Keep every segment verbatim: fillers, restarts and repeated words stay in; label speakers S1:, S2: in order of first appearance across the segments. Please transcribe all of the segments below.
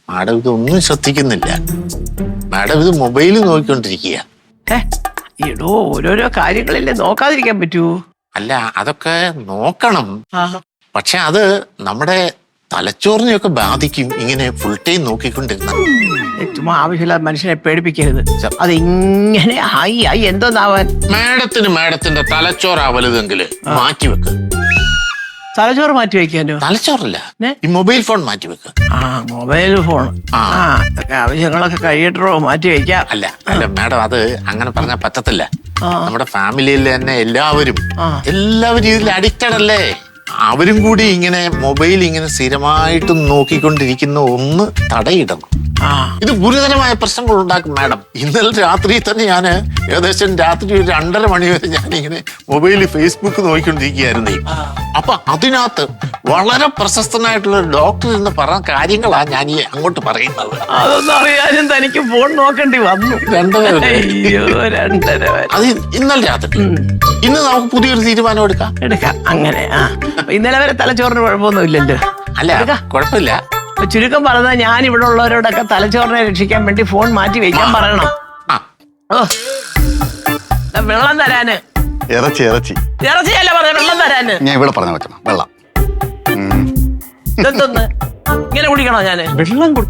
S1: Madam ഇതൊന്നും ശ്രദ്ധിക്കുന്നില്ല. Madam ഇത് മൊബൈലിൽ നോക്കിക്കൊണ്ടിരിക്കുക.
S2: എടോ ഓരോരോ കാര്യങ്ങളല്ലേ നോക്കാതിരിക്കാൻ പറ്റൂ?
S1: അല്ല, അതൊക്കെ നോക്കണം. പക്ഷെ അത് നമ്മുടെ തലച്ചോറിനെയൊക്കെ ബാധിക്കും ഇങ്ങനെ ഫുൾ ടൈം നോക്കിക്കൊണ്ടിരുന്ന.
S2: ചുമ്മാ ആവശ്യമില്ലാതെ മനുഷ്യനെ പേടിപ്പിക്കരുത്. അത് ഇങ്ങനെ ആയി ആയി എന്തോന്നാവാൻ.
S1: മാഡത്തിന് മാഡത്തിന്റെ തലച്ചോറാ വലുതെങ്കിൽ മാറ്റിവെക്ക്.
S2: തലച്ചോറ് മാറ്റി വെക്കാനോ?
S1: തലച്ചോറല്ല, ഈ മൊബൈൽ ഫോൺ മാറ്റിവെക്ക്.
S2: ആ മൊബൈൽ ഫോൺ. ആ അതൊക്കെ ആവശ്യങ്ങളൊക്കെ കഴിയട്ടോ മാറ്റി വെക്കാം.
S1: അല്ല അല്ല മാഡം, അത് അങ്ങനെ പറഞ്ഞാൽ പറ്റത്തില്ല. നമ്മുടെ ഫാമിലിയിൽ തന്നെ എല്ലാവരും എല്ലാവരും ഇതിൽ അഡിക്റ്റഡ് അല്ലേ? അവരും കൂടി ഇങ്ങനെ മൊബൈൽ ഇങ്ങനെ സ്ഥിരമായിട്ട് നോക്കിക്കൊണ്ടിരിക്കുന്ന ഒന്ന് തടയിടണം. ഇത് ഗുരുതരമായ പ്രശ്നങ്ങൾ ഉണ്ടാക്കും മാഡം. ഇന്നലെ രാത്രി തന്നെ ഞാൻ ഏകദേശം രാത്രി ഒരു രണ്ടര മണി വരെ ഞാൻ ഇങ്ങനെ മൊബൈലിൽ ഫേസ്ബുക്ക് നോക്കിക്കൊണ്ടിരിക്കുകയായിരുന്നു. അപ്പൊ അതിനകത്ത് വളരെ പ്രശസ്തനായിട്ടുള്ള ഒരു ഡോക്ടർ എന്ന് പറഞ്ഞ കാര്യങ്ങളാണ് ഞാൻ ഈ അങ്ങോട്ട് പറയുന്നത്.
S2: അതൊന്നും അറിയാനും തനിക്ക് ഫോൺ നോക്കേണ്ടി വന്നു.
S1: രണ്ടര
S2: രണ്ടര
S1: അത് ഇന്നലെ രാത്രി. ഇന്ന് നമുക്ക് പുതിയൊരു തീരുമാനം എടുക്കാം.
S2: എടുക്കാം അങ്ങനെ. ആ ഇന്നലെ വരെ തലച്ചോറിന് കുഴപ്പമൊന്നും ഇല്ലല്ലോ.
S1: അല്ല കുഴപ്പമില്ല.
S2: ചുരുക്കം പറഞ്ഞാൽ ഞാൻ ഇവിടെ ഉള്ളവരോടൊക്കെ തലച്ചോറിനെ രക്ഷിക്കാൻ വേണ്ടി ഫോൺ മാറ്റി വെക്കാൻ പറയണം. ഓ വെള്ളം തരാന്.
S3: ഇറച്ചി ഇറച്ചി
S2: ഇറച്ചിയല്ല പറഞ്ഞ വെള്ളം തരാന്.
S3: ഞാൻ ഇവിടെ പറഞ്ഞ പറ്റണം വെള്ളം.
S2: ഇതെന്തൊന്ന് ഇങ്ങനെ കുടിക്കണോ ഞാന്?
S4: വെള്ളം കുടി.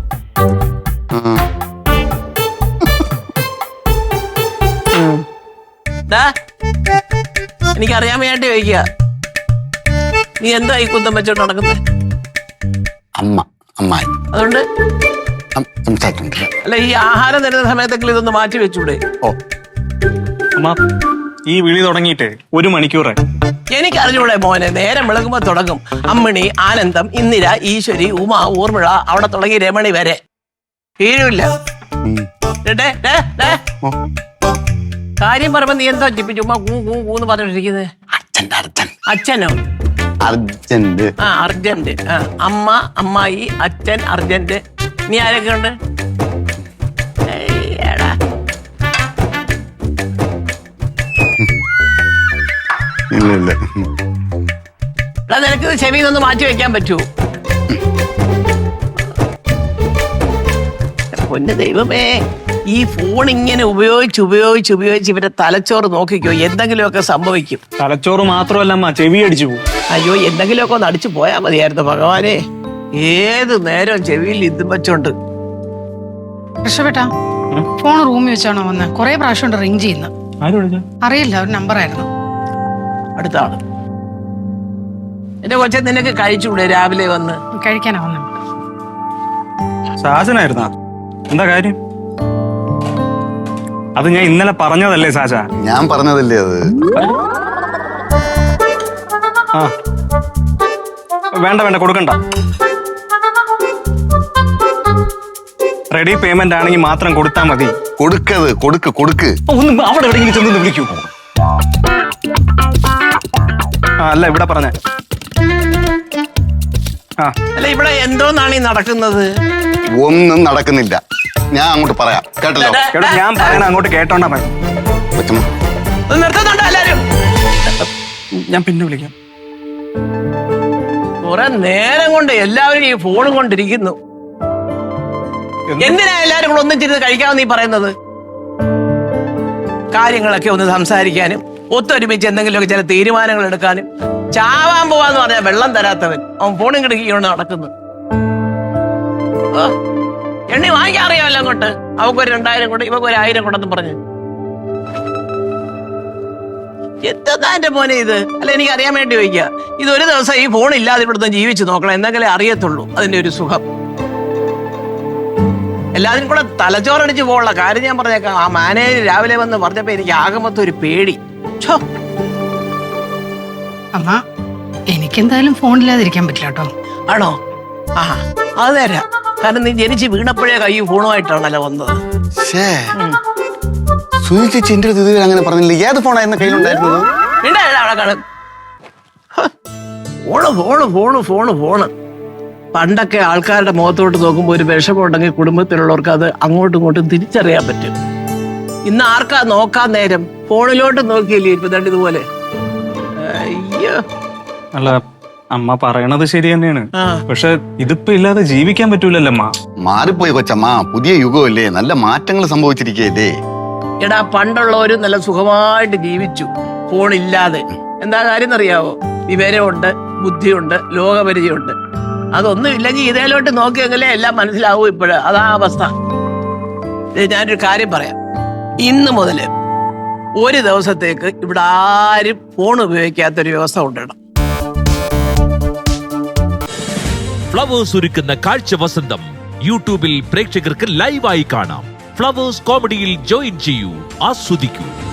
S2: എനിക്കറിയാൻ വേണ്ടി ചോദിക്കുക, നീ എന്താ ഈ കുന്തം വെച്ചോണ്ട് നടക്കുന്നത്?
S3: അമ്മ അമ്മായി
S2: അതുകൊണ്ട്
S3: സംസാരിക്കുന്നില്ല.
S2: അല്ല, ഈ ആഹാരം തരുന്ന സമയത്തെങ്കിലും ഇതൊന്ന് മാറ്റി വെച്ചൂടെ?
S3: ഓ
S4: അമ്മ, ഈ വിളി തുടങ്ങിയിട്ട് ഒരു മണിക്കൂറായി.
S2: എനിക്ക് അറിഞ്ഞൂടെ മോനെ, നേരം വിളകുമ്പോ തുടങ്ങും. അമ്മിണി, ആനന്ദം, ഇന്ദിര, ഈശ്വരി, ഉമ, ഊർമിള, അവിടെ തുടങ്ങി രമണി വരെ തീരുമില്ല. കാര്യം പറയുമ്പോ നീ എന്താ ചുമ്മാ കൂ കൂ കൂന്ന് പറഞ്ഞിട്ടിരിക്കുന്നത്? അച്ഛനോ?
S3: അർജന്റ്.
S2: ആ അർജന്റ്. ആ അമ്മ, അമ്മായി, അച്ഛൻ, അർജന്റ്. നീ ആരൊക്കെ ഉണ്ട്?
S3: ഇല്ല ഇല്ല.
S2: നിനക്ക് ചെവിന്നൊന്ന് മാറ്റി വെക്കാൻ പറ്റുമോ? പൊന്നു ദൈവമേ, ഈ ഫോൺ ഇങ്ങനെ ഉപയോഗിച്ച് ഉപയോഗിച്ച് ഉപയോഗിച്ച് ഇവരുടെ തലച്ചോറ് നോക്കിക്കോ, എന്തെങ്കിലുമൊക്കെ സംഭവിക്കും.
S4: തലച്ചോറ് മാത്രമല്ല അമ്മ, ചെവി അടിച്ചു പോകും.
S2: അയ്യോ, എന്തെങ്കിലുമൊക്കെ ഒന്ന് അടിച്ചു പോയാൽ മതിയായിരുന്നു ഭഗവാനെ. ഏത് നേരം ചെവിയിൽ ഇതും വെച്ചോണ്ട്.
S5: രക്ഷപ്പെട്ടാ ഫോൺ റൂമിൽ വെച്ചാണോ വന്ന്? കൊറേ പ്രാവശ്യം ഉണ്ട് റിങ് ചെയ്യുന്ന. അറിയില്ല, ഒരു നമ്പർ ആയിരുന്നു.
S2: അടുത്ത ആള്. എന്റെ കൊച്ചെ, നിനക്ക് കഴിച്ചുകൂടെ രാവിലെ വന്ന്?
S5: കഴിക്കാനാ വന്ന.
S4: സാജനായിരുന്ന എന്താ കാര്യം? അത് ഞാൻ ഇന്നലെ പറഞ്ഞതല്ലേ സാജ?
S3: ഞാൻ പറഞ്ഞതല്ലേ അത്.
S4: ആ വേണ്ട വേണ്ട, കൊടുക്കണ്ട. റെഡി പേയ്മെന്റ് ആണെങ്കിൽ മാത്രം കൊടുത്താൽ മതി.
S3: കൊടുക്കത് കൊടുക്ക് കൊടുക്ക്.
S4: ഒന്ന് അവിടെ എവിടെയെങ്കിലും ചെന്ന് വിളിക്കൂ. ആ അല്ല, ഇവിടെ പറഞ്ഞ. ആ
S2: അല്ല, ഇവിടെ എന്തോന്നാണ് ഈ നടക്കുന്നത്?
S3: ഒന്നും നടക്കുന്നില്ല. ഞാൻ അങ്ങോട്ട് പറയാം, കേട്ടല്ലോ?
S4: കേട്ടോ, ഞാൻ പറയണ അങ്ങോട്ട് കേട്ടോണ്ടാ മതി.
S2: നിർത്തുന്നുണ്ടോ എല്ലാരും?
S4: ഞാൻ പിന്നെ വിളിക്കാം.
S2: കുറെ നേരം കൊണ്ട് എല്ലാവരും ഈ ഫോണും കൊണ്ടിരിക്കുന്നു. എന്തിനാ എല്ലാരും കൂടെ ഒന്നിച്ചിരുന്ന് കഴിക്കാമെന്ന് നീ പറയുന്നത്? കാര്യങ്ങളൊക്കെ ഒന്ന് സംസാരിക്കാനും ഒത്തൊരുമിച്ച് എന്തെങ്കിലുമൊക്കെ ചില തീരുമാനങ്ങൾ എടുക്കാനും. ചാവാൻ പോവാന്ന് പറഞ്ഞാൽ വെള്ളം തരാത്തവൻ അവൻ ഫോണും കിടക്കിക്കൊണ്ട് നടക്കുന്നു. എണ്ണി വാങ്ങിക്കാൻ അറിയാമല്ലോ അങ്ങോട്ട്. അവക്കൊരു രണ്ടായിരം കൊണ്ട് ഇവക്ക് ഒരു ആയിരം കൊണ്ടെന്ന് പറഞ്ഞു. എന്താ എന്റെ മോനെ ഇത്? അല്ല, എനിക്ക് അറിയാൻ വേണ്ടി ചോദിക്കുക. ഇത് ഒരു ദിവസം ഈ ഫോൺ ഇല്ലാതെ ഇവിടുന്ന് ജീവിച്ചു നോക്കണം, എന്തെങ്കിലും അറിയത്തുള്ളൂ അതിന്റെ ഒരു സുഖം. എല്ലാത്തിനും കൂടെ തലച്ചോറടിച്ച് പോകാനുള്ള കാര്യം ഞാൻ പറഞ്ഞേക്കാം. ആ മാനേജർ രാവിലെ വന്ന് പറഞ്ഞപ്പോ എനിക്ക് ആകെ മൊത്തം ഒരു പേടി.
S5: അമ്മ, എനിക്കെന്തായാലും ഫോണില്ലാതിരിക്കാൻ പറ്റില്ല കേട്ടോ.
S2: ആണോ? ആ അത് നേരാ. കാരണം നീ ജനിച്ച് വീണപ്പോഴേ കൈ ഫോണുമായിട്ടാണല്ലോ വന്നത്.
S3: സുനിച്ചേച്ചി എന്റെ അടുത്ത് ഇതുവരെ അങ്ങനെ പറഞ്ഞില്ല. ഏത് ഫോണായിരുന്നു കയ്യിലുണ്ടായിരുന്നത്?
S2: Phone phone phone phone phone പണ്ടൊക്കെ ആൾക്കാരുടെ മുഖത്തോട്ട് നോക്കുമ്പോൾ ഒരു വിഷമമുണ്ടെങ്കിൽ കുടുംബത്തിലുള്ളവർക്ക് അത് അങ്ങോട്ടും ഇങ്ങോട്ടും തിരിച്ചറിയാൻ പറ്റും. ഇന്ന് ആർക്കാ നോക്കാൻ നേരം? ഫോണിലോട്ട് നോക്കിയില്ലേ ഇപ്പൊ ദണ്ട് ഇതുപോലെ. അയ്യോ,
S4: അല്ല അമ്മ പറയണത് ശരി തന്നെയാണ്.
S2: ആ.
S4: പക്ഷെ ഇതിപ്പോ ഇല്ലാതെ ജീവിക്കാൻ പറ്റൂലല്ലോ അമ്മ.
S3: മാറിപ്പോയി കൊച്ചമ്മ, പുതിയ യുഗമല്ലേ, നല്ല മാറ്റങ്ങൾ സംഭവിച്ചിരിക്കുകയല്ലേ.
S2: എടാ പണ്ടുള്ളവര് നല്ല സുഖമായിട്ട് ജീവിച്ചു ഫോണില്ലാതെ. എന്താ കാര്യം എന്നറിയാവോ? വിവരമുണ്ട്, ബുദ്ധിയുണ്ട്, ലോകപരിചയമുണ്ട്. അതൊന്നും ഇല്ലെങ്കിൽ ഇതേലോട്ട് നോക്കിയെങ്കിലേ എല്ലാം മനസ്സിലാവൂ. ഇപ്പോഴ് അതാ അവസ്ഥ. ദേ, ഞാനൊരു കാര്യം പറയാം. ഇന്ന് മുതല് ഒരു ദിവസത്തേക്ക് ഇവിടെ ആരും ഫോൺ ഉപയോഗിക്കാത്തൊരു വ്യവസ്ഥ കൊണ്ടിടണം.
S6: ഫ്ലവേഴ്സ് ഒരുക്കുന്ന കാഴ്ച വസന്തം യൂട്യൂബിൽ പ്രേക്ഷകർക്ക് ലൈവായി കാണാം. ഫ്ലവേഴ്സ് കോമഡിയിൽ ജോയിൻ ചെയ്യൂ, ആസ്വദിക്കൂ.